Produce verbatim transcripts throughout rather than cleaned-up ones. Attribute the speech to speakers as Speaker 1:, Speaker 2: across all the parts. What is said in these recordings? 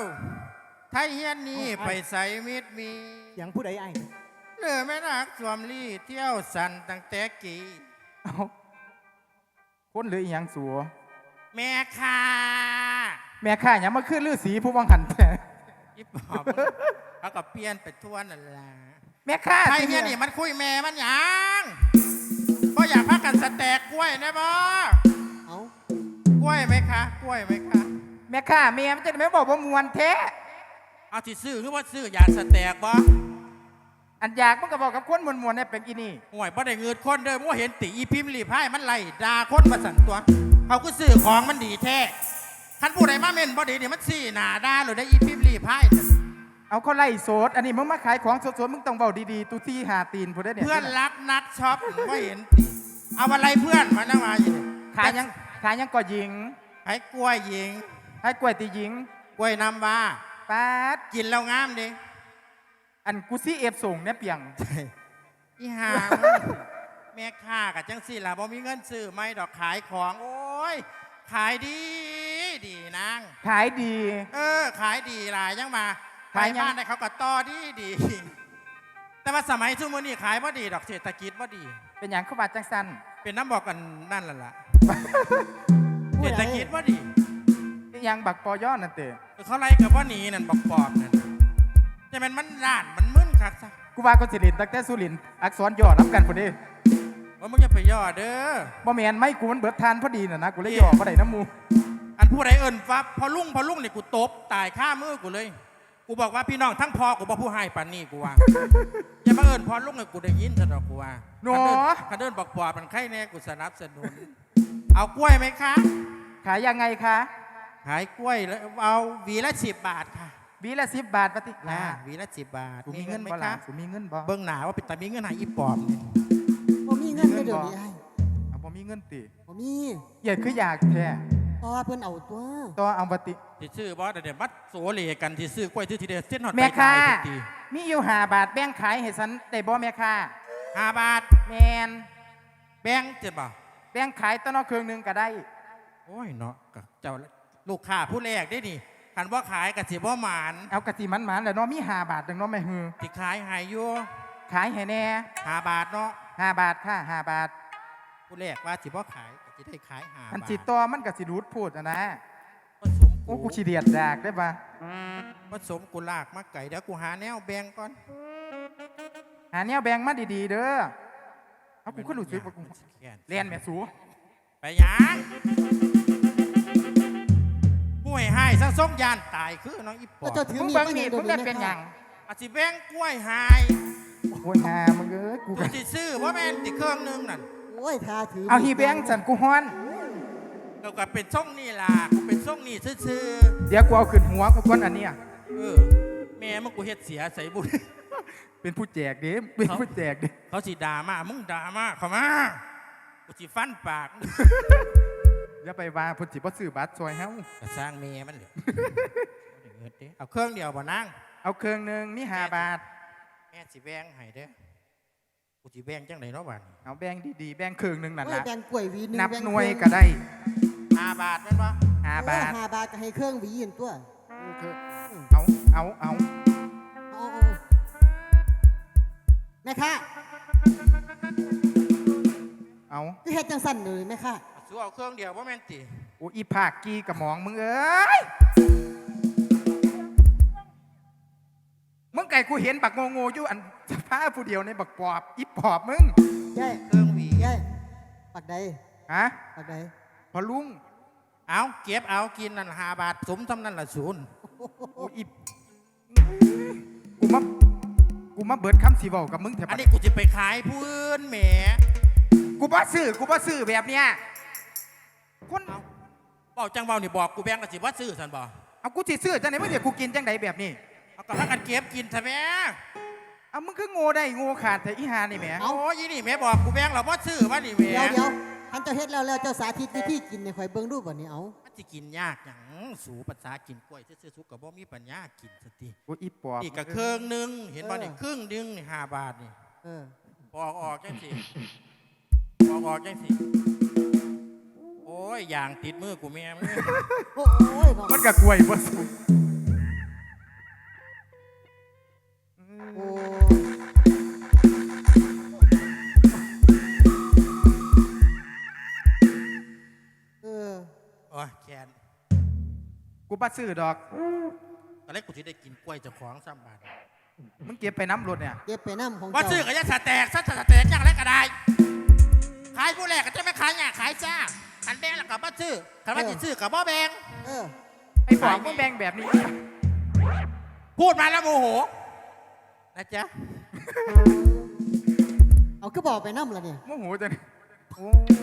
Speaker 1: ไทยเฮียนนี่ไปใส่มิดมี
Speaker 2: อย่างผู้ใดไอ้
Speaker 1: เลือแม่นักสวมลี่เที่ยวสันตั้งแต่กี่
Speaker 3: เอาคนหรืออีหยังสัว
Speaker 1: แม่ค่า
Speaker 3: แม่ข้าหยังมาขึ้นฤาษีผู้วังหันแต่
Speaker 1: ยิบหอบเขาก็เปลี่ยนไปทั่วนั่นแหละ
Speaker 3: แม่ข้า
Speaker 1: ไทยเฮียนนี่มันคุยแม่มันหยังก็อยากพักกันสแต็กกล้วยนะบ่
Speaker 2: เอา
Speaker 1: กล้วยไหมคะกล้วยไหมคะ
Speaker 3: แม่ข้าแม่มันจะไม่บอกว่ามวนแท้
Speaker 1: เอาที่ซื้อคือว่าซื้ออยากสแต็กบ่
Speaker 3: อันอยากมันก็บอกกับคนมวนมวนเนี่ยเป็นอีนี่
Speaker 1: ห่วยบ่ได้เงินคนเด้อบ่เห็นติอีพิมพ์รีพายมันไล่ด่าคนมาสั่นตัวเขาก็ซื้อของมันดีแท้คันผู้ใดมาเม่นบ่ดีนี่มันสี่หน้าด่าหรือได้อีพิมพ์รีพาย
Speaker 3: เอาเขาไล่โสดอันนี้มึงมาขายของสดๆมึงต้องเบาดีๆตูที่หาตีนผู้ใดเนี่ย
Speaker 1: เพื่อนรักนัดช็อปบ่เห็นติเอาอะไรเพื่อนมานั่งมาอยู่
Speaker 3: ขายยังขายยังก่อหญิง
Speaker 1: ขายกล้วยหญิง
Speaker 3: ขายกล้วยตีหญิง
Speaker 1: กล้วยน้ำว้า
Speaker 3: ป๊าด
Speaker 1: กินแล้วงามดิ
Speaker 3: อันกูซี่เอฟส่งเนี่ยเปียง
Speaker 1: อีหาแม่ค้ากับจังสี่ล่ะบ่มีเงินซื้อไม่ดอกขายของโอ้ยขายดีดีนาง
Speaker 3: ขายดี
Speaker 1: เออขายดีหลายยังมาขายบ้านได้เขาก็ต่อดีดีแต่ว่าสมัยซุมื้อนี้ขายบ่ดีดอกเศรษฐกิจบ่ดี
Speaker 3: เป็นอย่างเขาบาดจังสัน
Speaker 1: เป็นน้ำบอกกันนั่นแหละล่ะเศรษฐกิจบ่ดี
Speaker 3: ยังบักปอย่อนั่นเตะ
Speaker 1: เขาไล่กับว่าหนีนั่นบอกปอบนั่นจะเป็นมันร้านมันมึนคักซะ
Speaker 3: กูว่าก็สิรินตั้งแต่สุรินอักษรย่อนับกันพอดี
Speaker 1: ว่ามึงจะไปย่อเด้อ
Speaker 3: บ่แมนไม่กูมันเบิดทานพอดีน่ะนะกูเลยย่อบ่ได้น้ำมู
Speaker 1: อันผู้ใดเอิญฟับพอลุ่งพอลุ่งเนี่ยกูตบตายข้ามือกูเลยกูบอกว่าพี่น้องทั้งพอกูบอกผู้ให้ปานนี่กูว่าอย่ามาเอิญพอลุ่งเนี่ยกูได้ยินซะดอกกูว่า
Speaker 3: หนอ
Speaker 1: คันเดินบอกปอบมันใครแน่กูสนับสนุนเอากล้วยไหมคะ
Speaker 3: ขายยังไงคะ
Speaker 1: ขายกล้วยแล้วเอาหวีละสิบบาทค่ะ
Speaker 3: หวีละสิบบาทปฏิ
Speaker 1: นะหวีละสิบบาท
Speaker 3: มีเงินไหมคะมีเงินบ่
Speaker 1: เบิ้งหนาว่าเป็นแต่มีเงินหายอีปอบเนี่ย
Speaker 2: บ่มีเงินไม่เดี๋ยวนี้ไอ้
Speaker 3: เอาบ่มีเงินติ
Speaker 2: บ่มี
Speaker 3: ใหญ่คืออยากแท้
Speaker 2: ต่อเพิ่นเอาตัว
Speaker 3: ต่อเอาปฏิ
Speaker 1: ที่ซื้อบอสเดี๋ยวมัดโซเลกันที่ซื้อกล้วยที่ทีเดียวเส้นหอด
Speaker 3: แม่ค้ามีอยู่ห้าบาทแบ่งขายให้ฉันได้บ่แม่ค้า
Speaker 1: ห้าบาท
Speaker 3: แมน
Speaker 1: แบ่งเจ็บบ่
Speaker 3: แบ่งขายต้นนอกเครื่องนึงก็ได้
Speaker 1: โอ้ยเนาะเจ้าลูกค้าผู้แรกได้ดิคันว่าขายกะสิบ่หมาน
Speaker 3: เอากะสิมันหมานแล้วเนาะมีห้าบาทดังเนาะแม่ฮือ
Speaker 1: ที่ขายหายอยู่
Speaker 3: ขายให้แน่
Speaker 1: ห้าบาทเนาะ
Speaker 3: ห้าบาทค่ะห้าบาท
Speaker 1: ผู้แรกว่าสิบ่ขายกะสิได้ขายห้าบาท
Speaker 3: อันสิต่อมันกะสิรูดพูดนะโอ้กูขี้เดียดดากได้ปะ
Speaker 1: ผสมกูลากมาไก่เดี๋ยวกูหาแนวแบ่งก่อน
Speaker 3: หาแนวแบ่งมาดีๆเด้อเอากูขึ้นหลุดซื้อกูเรียนแม่สู
Speaker 1: ไปยังกล้วยหายสังส่งยานตายคือน้องอีปอบ
Speaker 3: มึงเบิ้งนี่มึงได้เป็นยัง
Speaker 1: อาจิแบ่งกล้วยหาย
Speaker 3: กล้วยหามึงเอ้ย
Speaker 1: กูก็จะซื้อว่าแม่นติเครื่องนึงนั่น
Speaker 2: โอ้ยทาถือ
Speaker 3: เอาฮีแบ่งสันกูฮ้อน
Speaker 1: เราก็เป็นส่งนี่ล่ะกูเป็นส่งนี่ซื่อ
Speaker 3: เดี๋ยวกูเอาขึ้นหัวกูก้อนอันเนี้ย
Speaker 1: เออแม่มึงกูเฮ็ดเสียใส่บุญ
Speaker 3: เป็นผู้แจกเด้เป็นผู้แจกเด้
Speaker 1: เขาสิด่ามามึงด่ามาเข้ามากูสิฟันปาก
Speaker 3: อย่าไปว่าพุ่นสิบ่ซื้อบัตรซอยเฮา
Speaker 1: ก็สร้างเมย์มันเหลือเอาเครื่องเดียวบ่นั่ง
Speaker 3: เอาเครื่องนึงมีห้าบาท
Speaker 1: แม่สิแบ่งให้เด้อกูสิแบ่งจังไดเนาะบัด
Speaker 3: เอาแบ่งดีๆแบ่งเครื่องนึงนั่นล่ะ
Speaker 2: แบ่งกล้วยหวีนึง
Speaker 3: นับหน่วยก็ได้
Speaker 1: ห้าบาทแม่นบ่
Speaker 3: ห้าบาท
Speaker 2: ห้าบาทก็ให้เครื่องหวีอีกตัว
Speaker 3: เอาเอาเอา
Speaker 2: แม่ค่ะ
Speaker 3: เอา
Speaker 2: คือเฮ็ดจังสั่นเลยแม่ค่ะ
Speaker 1: สู้เอาเครื่องเดียวว่าแม่นติ
Speaker 3: โอ้อีภาคกีกระหมองมึงเอ้ยมึงไก่กูเห็นบักโงโง่อยู่อันผ้าผู้เดียวในบักปอบอีปอบมึง
Speaker 2: ยัย
Speaker 1: เครื่องหวี
Speaker 2: ยัยปักใด
Speaker 3: ฮะ
Speaker 2: ปักใด
Speaker 3: พอลุง
Speaker 1: เอาเก็บเอากินนั่นห้าบาทสมทำนั่นละศูนย์
Speaker 3: โอ้อีกูมากูมาเบิดคำสีบอกกับมึงแถว
Speaker 1: อันนี้กูจะไปขายพื้นแหม
Speaker 3: กูบ่ซื้อกูบ่ซื้อแบบเนี้ย
Speaker 1: คนบอกจังเบานี่บอกกูแบงก์กะสิว่าซื้อสันบอก
Speaker 3: เอากูสิซื้อจังไหนมึงเดี๋ยวกูกินจังไหนแบบนี้
Speaker 1: เอากระทั่งกันเก็บกินใช่ไหม
Speaker 3: เอามึงคือโง่ได้โง่ขาดแต่อีหานี่แหม
Speaker 1: โอ้ยนี่แม่บอกกูแบงก์เราว่าซื้อว่านี่แหม
Speaker 2: เดี๋ยวเดี๋ยวท่านเจ้าเฮ็ดแล้วแล้วเจ้าสาธิตวิธีกินในข่อยเบิ่งรูปแบบนี้เอา
Speaker 1: จะกินยากอย่างสูภาษากินกล้วยซื้อๆสุกกับบ่มีปัญญากินสติ
Speaker 3: กูอีปอบ
Speaker 1: นี่กับเครื่องนึงเห็นบ่นี่ครึ่งนึงนี่ห้าบาทนี่
Speaker 2: เออ
Speaker 1: ปอกออกจังสิปอกออกจังสิโอ้ยอย่างติดมือกูแม่มึง
Speaker 2: โอ้ย
Speaker 3: มันกับกล้วยบ่สุกกูปัดซื้อดอก
Speaker 1: ตอนแรกกูจะได้กินกล้วยเจ้าของซ้ำบาท
Speaker 3: มึงเก็บไปน้ำรถเนี่ย
Speaker 2: เก็บไปน้ำของ
Speaker 1: ว่า
Speaker 2: เจ้า
Speaker 1: ซื้อก็จะสแตกซะสแตกอย่างไรก็ได้ขายผู้แรกก็จะไม่ขายเนี่ยขายจ้าขันแบงแล้วกับบ่ซื้อขันว่าจะซื้อกับบ่แบง
Speaker 2: เออ
Speaker 3: ไอ้บอกมึงแบ่งแบบนี้
Speaker 1: พูดมาแล้วโมโหนะจ๊ะ
Speaker 2: เอาก็บอกไปน้ำละเนี่ย
Speaker 3: โมโหจังโอ้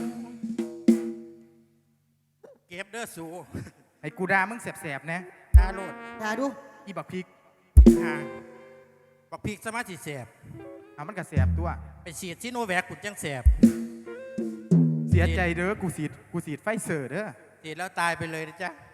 Speaker 1: เก็บเด้อสู
Speaker 3: ไอ้กูด่ามึงแสบๆนะ
Speaker 1: ดาโลด
Speaker 2: ด่าดู
Speaker 3: อีบักพริก
Speaker 1: ฮะบักพริกสมาธิแสบ
Speaker 3: เอามันก็แสบตัว
Speaker 1: ไปฉีดซิโนแวคกุดจังแสบ
Speaker 3: เสียใจเด้อกูสีดกูสีดไฟเซอร์เด้อ
Speaker 1: ฉีดแล้วตายไปเลยนะจ๊ะ